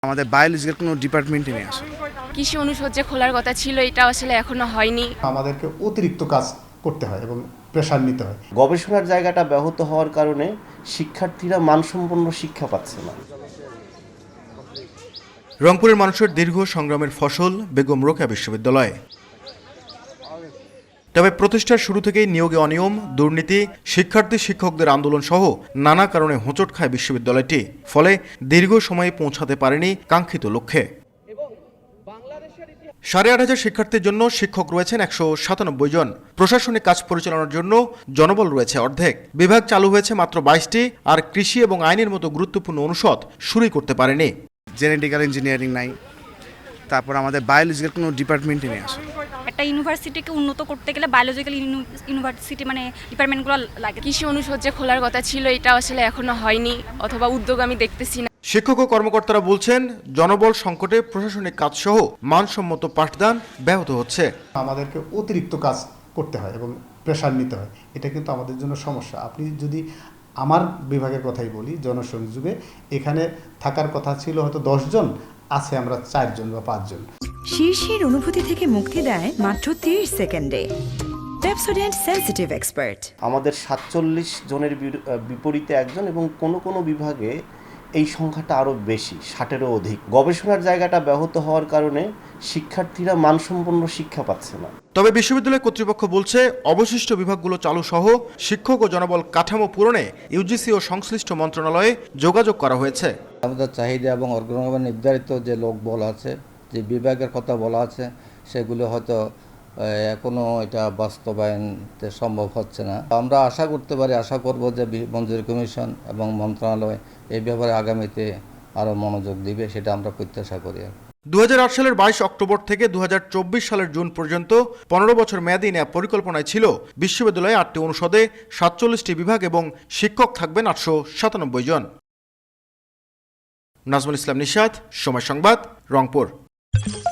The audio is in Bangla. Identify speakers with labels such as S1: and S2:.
S1: আমাদের বায়োলজিক্যাল কোনো ডিপার্টমেন্টই নেই আসলে।
S2: কৃষি অনুষদ যে খোলার কথা ছিল এটা আসলে এখনো হয়নি।
S3: আমাদেরকে অতিরিক্ত কাজ করতে হয় এবং প্রেশার নিতে হয়।
S4: গবেষণার জায়গাটা ব্যাহত হওয়ার কারণে শিক্ষার্থীরা মানসম্পন্ন শিক্ষা পাচ্ছে না।
S5: রংপুরের মানুষের দীর্ঘ সংগ্রামের ফসল বেগম রোকেয়া বিশ্ববিদ্যালয়। তবে প্রতিষ্ঠার শুরু থেকেই নিয়োগে অনিয়ম, দুর্নীতি, শিক্ষার্থী শিক্ষকদের আন্দোলন সহ নানা কারণে হোঁচট খায় বিশ্ববিদ্যালয়টি। ফলে দীর্ঘ সময়ে পৌঁছাতে পারেনি কাঙ্ক্ষিত লক্ষ্যে। ৮,৫০০ শিক্ষার্থীর জন্য শিক্ষক রয়েছেন ১৯৭ জন। প্রশাসনিক কাজ পরিচালনার জন্য জনবল রয়েছে অর্ধেক। বিভাগ চালু হয়েছে মাত্র ২২টি, আর কৃষি এবং আইনের মতো গুরুত্বপূর্ণ অনুষদ শুরুই করতে পারেনি।
S1: জেনেটিক্যাল ইঞ্জিনিয়ারিং নাই, তারপর আমাদের বায়োলজিক্যাল কোনো ডিপার্টমেন্টই নেই আসলে।
S6: একটা ইউনিভার্সিটিকে উন্নত করতে গেলে বায়োলজিক্যাল ইউনিভার্সিটি মানে ডিপার্টমেন্টগুলো লাগে।
S2: কৃষি অনুষদ যে খোলার কথা ছিল এটা আসলে এখনো হয়নি, অথবা উদ্যোগ আমি দেখতেছি না।
S5: শিক্ষক ও কর্মকর্তারা বলছেন, জনবল সংকটে প্রশাসনিক কাজ সহ মানসম্মত পাঠদান ব্যাহত হচ্ছে।
S3: আমাদেরকে অতিরিক্ত কাজ করতে হয় এবং প্রেশার নিতে হয়। এটা কিন্তু আমাদের জন্য সমস্যা। আপনি যদি আমার বিভাগের কথাই বলি, জনসংযোগে এখানে থাকার কথা ছিল হয়তো ১০ জন, আছে আমরা ৪ জন বা ৫ জন।
S7: শীর্ষের অনুভূতি থেকে মুক্তি দেয় মাত্র ৩০ সেকেন্ডে পেপসোডেন্ট সেনসিটিভ এক্সপার্ট।
S4: আমাদের ৪৭ জনের বিপরীতে একজন, এবং কোনো বিভাগে এই সংখ্যাটা আরও বেশি, ৬০-এরও অধিক। গবেষণার জায়গাটা ব্যাহত হওয়ার কারণে শিক্ষার্থীরা মানসম্পন্ন শিক্ষা পাচ্ছে না।
S5: তবে বিশ্ববিদ্যালয় কর্তৃপক্ষ বলছে, অবশিষ্ট বিভাগগুলো চালু সহ শিক্ষক ও জনবল কাঠামো পূরণে ইউজিসি ও সংশ্লিষ্ট মন্ত্রণালয়ে যোগাযোগ করা হয়েছে।
S8: আমাদের চাহিদা এবং অর্গানাইজেশন নির্ধারিত যে লোকবল আছে, যে বিভাগের কথা বলা আছে, সেগুলো হয়তো এখনও এটা বাস্তবায়নতে সম্ভব হচ্ছে না। আমরা আশা করব যে মঞ্জুরি কমিশন এবং মন্ত্রণালয় এই ব্যাপারে আগামীতে আরও মনোযোগ দিবে, সেটা আমরা প্রত্যাশা করি।
S5: ২০০৮ সালের ২২ অক্টোবর থেকে ২০২৪ সালের জুন পর্যন্ত ১৫ বছর মেয়াদী নেওয়া পরিকল্পনায় ছিল বিশ্ববিদ্যালয়ে ৮টি অনুষদে ৪৭টি বিভাগ এবং শিক্ষক থাকবেন ৮৯৭ জন। নাজমুল ইসলাম নিশাত, সময় সংবাদ, রংপুর।